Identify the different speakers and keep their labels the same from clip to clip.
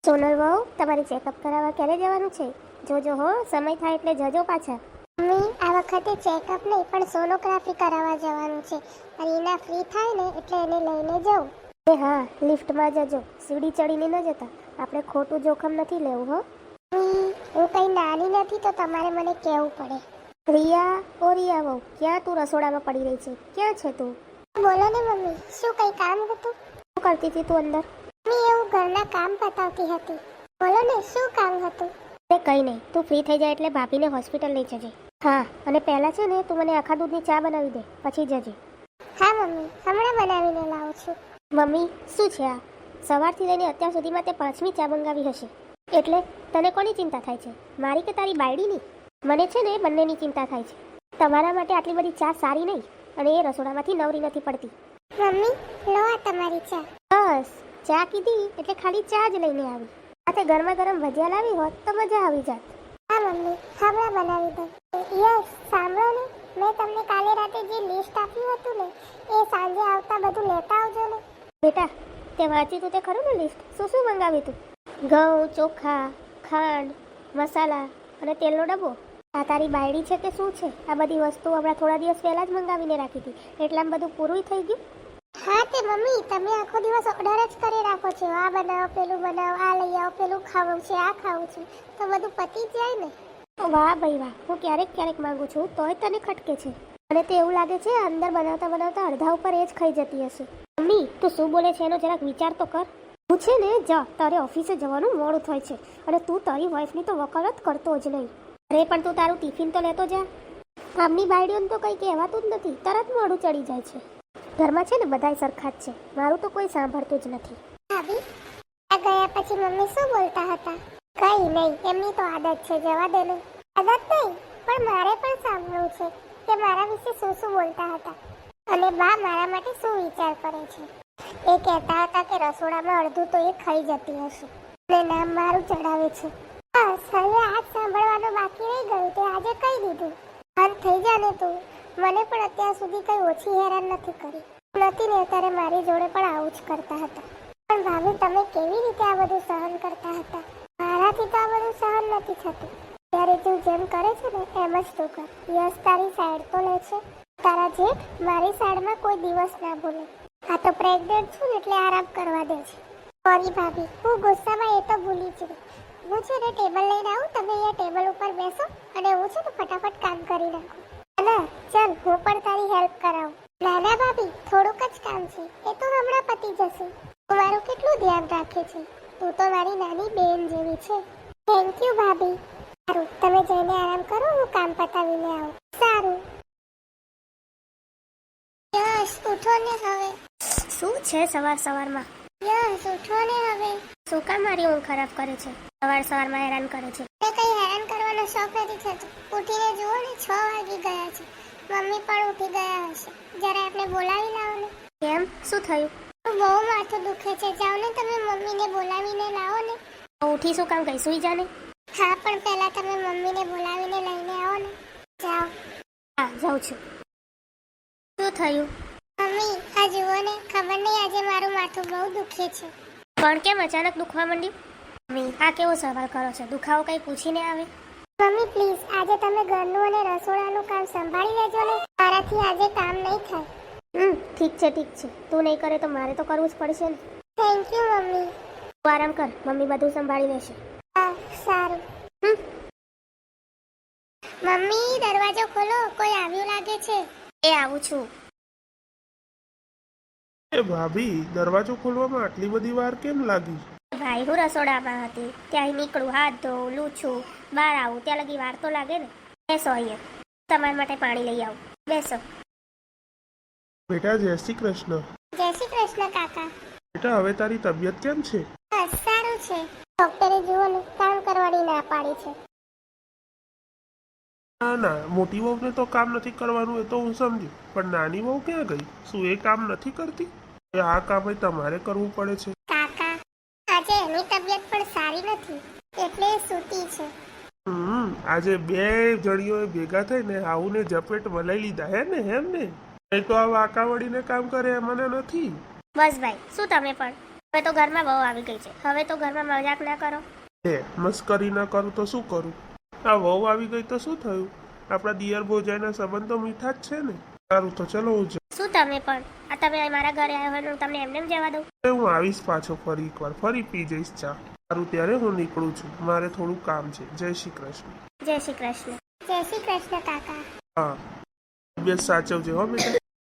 Speaker 1: સોનલ વહુ, તમારી ચેકઅપ કરાવવા ક્યારે જવાનું છે? જોજો હો, સમય થાય એટલે જજો પાછા.
Speaker 2: મમ્મી, આ વખતે ચેકઅપ નહીં પણ સોનોગ્રાફી કરાવવા જવાનું છે. અને એના ફ્રી થાય ને એટલે એને લઈને જાઉં.
Speaker 1: એ હા, લિફ્ટમાં જજો, સીડી ચડીને ન જતા. આપણે ખોટું જોખમ નથી લેવું હો.
Speaker 2: મમ્મી, હું કંઈ નાની નથી તો તમારે મને કહેવું પડે.
Speaker 1: રિયા, ઓ રિયા વહુ, ક્યાં તું રસોડામાં પડી રહી છે? ક્યાં છે તું?
Speaker 2: બોલો ને મમ્મી, શું કંઈ કામ હતું?
Speaker 1: શું કરતી હતી તું અંદર?
Speaker 2: મમ્મી, એવું ઘરના કામ પતાવતી હતી. બોલો ને, શું કામ હતું?
Speaker 1: એ કંઈ નહીં, તું ફ્રી થઈ જાય એટલે ભાભીને હોસ્પિટલ લઈ જજે. હા, અને પહેલાં છે ને તું મને આખા દૂધની ચા બનાવી દે, પછી જજે.
Speaker 2: હા મમ્મી, હમણાં બનાવીને લાવું છું.
Speaker 1: મમ્મી, શું છે આ? સવારથી લઈને અત્યાર સુધીમાં તે 5મી ચા મંગાવી હશે. એટલે તને કોની ચિંતા થાય છે, મારી કે તારી બાયડીની? મને છે ને બંનેની ચિંતા થાય છે. તમારા માટે આટલી બધી ચા સારી નહીં, અને એ રસોડામાંથી નવરી નથી પડતી.
Speaker 2: મમ્મી, લો આ તમારી ચા.
Speaker 1: બસ, ચા કીધી એટલે ખાલી ચા જ લઈને આવી. આ તે ગરમા ગરમ ભજીયા લાવી હોત તો મજા આવી જાત.
Speaker 2: હા મમ્મી, હમણાં બનાવી દઉં. યસ, સાંભળો ને, મેં તમને કાલે રાતે જે લિસ્ટ આપ્યું હતું ને, એ સાંજે આવતા બધું લેતા આવજો ને.
Speaker 1: બેટા, તે વાંચ્યું તું તે ખરું ને લિસ્ટ? શું શું મંગાવ્યું તું? ઘઉં, ચોખા, ખાંડ, મસાલા અને તેલનો ડબ્બો. આ તારી બાયડી છે કે શું છે? આ બધી વસ્તુ હમણાં થોડા દિવસ પહેલા જ મંગાવીને રાખી હતી, એટલામાં બધું પૂરું થઈ ગયું.
Speaker 2: હા તે મમ્મી, તમે આખો દિવસ ઓર્ડર જ કરી રાખો છો. આ બનાવો, પેલું બનાવો, આ લઈ આવો, પેલું ખાવું છે, આ ખાવું છે, તો બધું પતી જ જાય ને.
Speaker 1: વાહ ભાઈ વાહ, હું ક્યારેક ક્યારેક માંગુ છું તોય તને ખટકે છે. અને તે એવું લાગે છે અંદર બનાવતા બનાવતા અડધા ઉપર એ જ ખાઈ જતી હશે. મમ્મી, તું શું બોલે છે એનો જરાક વિચાર તો કર. હું છે ને, જા, તારે ઓફિસે જવાનું મોડું થાય છે, અને તું તારી વાઈફની તો વકાલત કરતો જ નહીં. અરે પણ તું તારું ટિફિન તો લેતો જા. આમની બાયડીઓને તો કંઈ કહેવાતું જ નથી, તરત મોડું ચડી જાય છે. ઘરમાં છે ને બધાય સરખા જ છે, મારું તો કોઈ સાંભળતું જ નથી.
Speaker 2: ભાભી, આ ગયા પછી મમ્મી શું બોલતા હતા? કઈ નહીં, એમની તો આદત છે, જવા દે ને. આદત નહીં, પણ મારે પણ સાંભળવું છે કે મારા વિશે શું શું બોલતા હતા, અને બા મારા માટે શું વિચાર કરે છે. એ કહેતા હતા કે રસોડામાં અડધું તો એ ખાઈ જતી હશે, અને નામ મારું ચડાવે છે. બસ, હવે આજ સાંભળવાનું બાકી રહી ગયું, તે આજે કહી દીધું. શાંત થઈ જા ને તું. મને પણ અત્યાર સુધી કઈ ઓછી હેરાન નથી કરી. નથી ને, ત્યારે મારી જોડે પણ આવું જ કરતા હતા. પણ ભાભી, તમે કેવી રીતે આ બધું સહન કરતા હતા? મારાથી તો આ બધું સહન નથી થતું. ત્યારે તું જેમ કરે છે ને એમ જ તું કર. યસ તારી સાઈડ તો લે છે, તારા જેઠ મારી સાઈડમાં કોઈ દિવસ ના બોલે. આ તો પ્રેગ્નેન્ટ છું ને એટલે આરામ કરવા દે છે. સોરી ભાભી, હું ગુસ્સામાં એ તો ભૂલી જ ગઈ. હું છે ને ટેબલ લઈને આવું, તમે અહીંયા ટેબલ ઉપર બેસો, અને હું છે ને ફટાફટ કામ કરી નાખું. ના ચાલ, હું પણ તારી હેલ્પ કરાવું. ના ના ભાભી, થોડુંક જ કામ છે, એ તો હમણાં પતી જશે. તું મારું કેટલું ધ્યાન રાખે છે. તું તો મારી નાની બેન જેવી છે. થેન્ક યુ ભાભી. સારું, તમે જઈને આરામ કરો, હું કામ પતાવીને આવું. સારું. યસ, ઉઠો ને હવે.
Speaker 1: શું છે સવાર સવારમાં?
Speaker 2: યસ, ઉઠો ને હવે.
Speaker 1: શું કામ મારી ઊંઘ ખરાબ કરે છે? સવાર સવારમાં હેરાન કરે છે.
Speaker 2: તે કઈ હેરાન કરવાનો શોખ નથી થતો. ઉઠીને જુઓ ને, 6 વાગી ગયા છે. મમ્મી પણ ઉઠી ગયા હશે. જરા આપણે બોલાવી લાવો ને.
Speaker 1: કેમ, શું થયું?
Speaker 2: બહુ માથું દુખે છે, જાઓ ને તમે મમ્મીને બોલાવીને લાવો ને.
Speaker 1: ઉઠી શું કામ ગઈ? સુઈ જા ને.
Speaker 2: હા, પણ પહેલા તમે મમ્મીને બોલાવીને લઈને આવો ને. જાઓ.
Speaker 1: હા, જાઉં છું. શું થયું?
Speaker 2: મમ્મી, આ જુઓ ને, ખબર નહીં આજે મારું માથું બહુ દુખે છે.
Speaker 1: પણ કેમ અચાનક દુખવા માંડ્યું? મમ્મી, આ કેવો સવાલ કરો છો? દુખાવો કઈ પૂછીને આવે?
Speaker 2: મમ્મી પ્લીઝ, આજે તમે ઘરનું અને રસોડાનું કામ સંભાળી લેજો ને. મારાથી આજે કામ નહીં થાય.
Speaker 1: ઠીક છે ઠીક છે, તું નહીં કરે તો મારે તો કરવું જ પડશે ને.
Speaker 2: Thank you mummy.
Speaker 1: તું આરામ કર, મમ્મી બધું સંભાળી લેશે.
Speaker 2: હા, સારું. મમ્મી, દરવાજો ખોલો, કોઈ આવ્યું લાગે છે.
Speaker 1: એ આવું છું.
Speaker 3: એ ભાભી, દરવાજો ખોલવામાં આટલી બધી વાર કેમ લાગી?
Speaker 1: ભાઈ, હું રસોડામાં હતી, ત્યાં નીકળું, હાથ ધોઉં, લૂછું, બહાર આવું, ત્યાં લગી વાર તો લાગે ને. બેસો અહીંયા, તમારા માટે પાણી લઈ આવું. બેસો.
Speaker 3: બેટા, જય શ્રી કૃષ્ણ.
Speaker 2: જય શ્રી કૃષ્ણ કાકા.
Speaker 3: બેટા, હવે તારી તબિયત કેમ છે?
Speaker 2: બસ, સારું છે. ડોક્ટરે જુઓ ને, કામ કરવાની ના પાડી છે.
Speaker 3: ના ના, મોટી વહુને તો કામ નથી કરવાનું, એ તો હું સમજુ, પણ નાની વહુ ક્યાં ગઈ? શું એ કામ નથી કરતી? આ કામ તમારે કરવું પડે છે.
Speaker 2: કાકા, આજે એની તબિયત પણ સારી નથી, એટલે એ સૂતી છે.
Speaker 3: આજે બે જણીઓએ ભેગા થઈને આવુને ઝપેટ વલાઈ લીધા હે ને, એમ ને? નહીં તો આ વાંકા વળીને કામ કરે મને નથી.
Speaker 1: બસ ભાઈ, શું તમે પણ હવે તો ઘરમાં બહુ આવી ગઈ છે, હવે તો ઘરમાં મજાક ના કરો.
Speaker 3: મસ્કરી ના કરું તો શું કરું? આ વહુ આવી ગઈ તો શું થયું? આપણા દિયર ભોજાઈના સંબંધ તો મીઠા જ છે ને. સારું તો ચલો હું જાઉં.
Speaker 1: શું તમે પણ આ તમે મારા ઘરે આવ્યો હોય ને હું તમને એમને એમ જવા દઉં?
Speaker 3: હું આવીશ પાછો ફરી એકવાર, ફરી પી જઈશ ચા. સારું ત્યારે હું નીકળું છું, મારે થોડું કામ છે. જય શ્રી કૃષ્ણ.
Speaker 1: જય શ્રી કૃષ્ણ.
Speaker 2: જય શ્રી કૃષ્ણ કાકા.
Speaker 3: હા, તબિયત સાચવજે હો બેટા.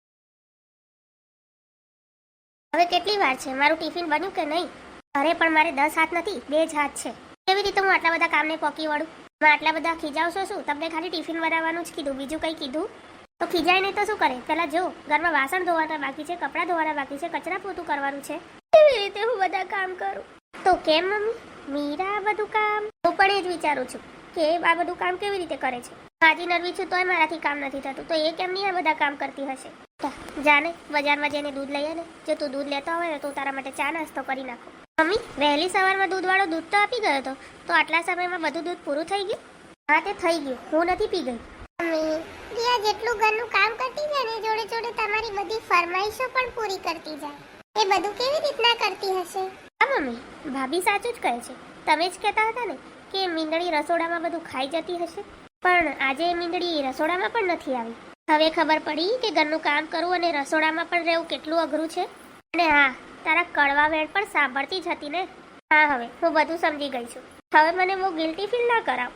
Speaker 1: હવે કેટલી વાર છે? મારું ટિફિન બન્યું કે નહીં? અરે પણ મારે 10 હાથ નથી, 2 જ હાથ છે. કેવી રીતે હું આટલા બધા કામને પોકી વળું? હું આટલા બધા ખીજાવશો શું? તમને ખાલી ટિફિન બનાવવાનું જ કીધું, બીજું કંઈ કીધું? તો ખીજાય નહીં તો શું કરે? પહેલા જો, ઘરમાં વાસણ ધોવાના બાકી છે, કપડાં ધોવાના બાકી છે, કચરા પોતું કરવાનું છે. કેવી રીતે હું બધા કામ કરું? તો કેમ મમ્મી? મીરા આ બધું કામ? હું પણ એ જ વિચારું છું કે આ બધું કામ કેવી રીતે કરે છે. હાજી નરવી છું તોય મારાથી કામ નથી થતું, તો એ કેમ નહીં આ બધા કામ કરતી હશે? જાને બજારમાં જઈને દૂધ લઈએ ને. જો તું દૂધ લેતો હોય ને તો તારા માટે ચા નાસ્તો કરી નાખો. મમ્મી, વહેલી સવારમાં દૂધવાળો દૂધ તો આપી ગયો હતો, તો આટલા સમયમાં બધું દૂધ પૂરું થઈ ગયું? હા, તે થઈ ગયું, હું નથી પી ગઈ.
Speaker 2: મમ્મી, રિયા જેટલું ઘરનું કામ કરતી જાય ને જોડે જોડે તમારી બધી ફરમાઈશો પણ પૂરી કરતી જાય. એ બધું કેવી રીતના કરતી હશે?
Speaker 1: હા મમ્મી, ભાભી સાચું જ કહે છે. તમે જ કહેતા હતા ને કે મીંદડી રસોડામાં બધું ખાઈ જતી હશે, પણ આજે મીંદડી રસોડામાં પણ નથી આવી. હવે ખબર પડી કે ઘરનું કામ કરવું અને રસોડામાં પણ રહેવું કેટલું અઘરું છે. અને હા, તારા કડવા વેણ પણ સાંભળતી જ હતી ને. હા, હવે હું બધું સમજી ગઈ છું. હવે મને બહુ ગિલ્ટી ફીલ ના કરાવ.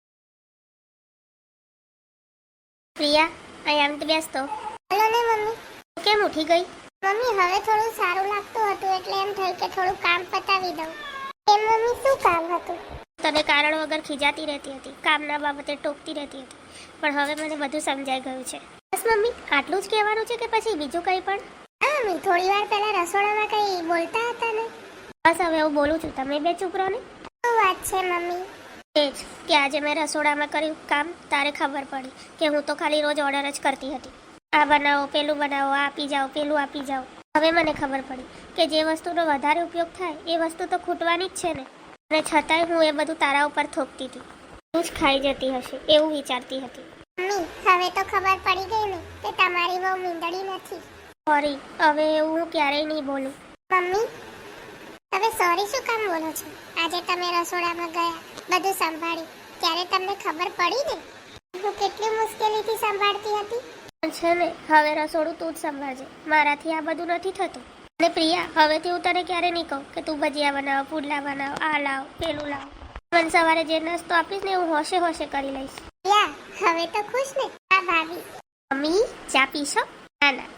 Speaker 1: પ્રિયા, અહીંયા આમ બેસતો.
Speaker 2: હલો ને મમ્મી.
Speaker 1: કેમ ઉઠી ગઈ?
Speaker 2: મમ્મી, હવે થોડું સારું લાગતું હતું એટલે એમ થયું કે થોડું કામ પતાવી દઉં. એમ મમ્મી, શું કામ હતું?
Speaker 1: તને કારણ વગર ખીજાતી રહેતી હતી, કામના બાબતે ટોકતી રહેતી હતી, પણ હવે મને બધું સમજાઈ ગયું છે. બસ મમ્મી, આટલું જ કહેવાનું છે કે પછી બીજું કંઈ પણ?
Speaker 2: હા મમ્મી, થોડી વાર પહેલા રસોડામાં કંઈ બોલતા હતા ને.
Speaker 1: બસ હવે હું બોલું છું, તમે બે ચૂપ રહો ને.
Speaker 2: શું વાત છે મમ્મી?
Speaker 1: એ જ કે આજે મેં રસોડામાં કર્યું કામ, તારે ખબર પડી કે હું તો ખાલી રોજ ઓર્ડર જ કરતી હતી. આ બનાવો, પેલું બનાવો, આ આપી જાઓ, પેલું આપી જાઓ. હવે મને ખબર પડી કે જે વસ્તુનો વધારે ઉપયોગ થાય એ વસ્તુ તો ખૂટવાની જ છે ને. અને છતાંય હું એ બધું તારા ઉપર થોપતી હતી. તું જ ખાઈ જતી હશે એવું વિચારતી હતી.
Speaker 2: મમ્મી, હવે તો ખબર પડી ગઈ ને કે તમારી બહુ મીંદડી નથી.
Speaker 1: સોરી, હવે એવું હું ક્યારેય નહીં બોલું.
Speaker 2: મમ્મી, તમે સોરી શું કામ બોલો છો? આજે તમે રસોડામાં ગયા, બધું સંભાળ્યું, ત્યારે તમને ખબર પડી ને હું કેટલી મુશ્કેલીથી સંભાળતી હતી.
Speaker 1: પણ છે ને, હવે રસોડું તું જ સંભાળજે, મારાથી આ બધું નથી થતું. અને પ્રિયા, હવેથી હું તને ક્યારે નહીં કહું કે તું ભજીયા બનાવ, પુડલા બનાવ, આ લાવ, પેલું લાવ. મને સવારે જે નાસ્તો આપીશ ને હું હોશે હોશે કરી લઈશ.
Speaker 2: યા, હવે તો ખુશ ને? હા ભાભી.
Speaker 1: મમ્મી, ચા પીશો? ના ના,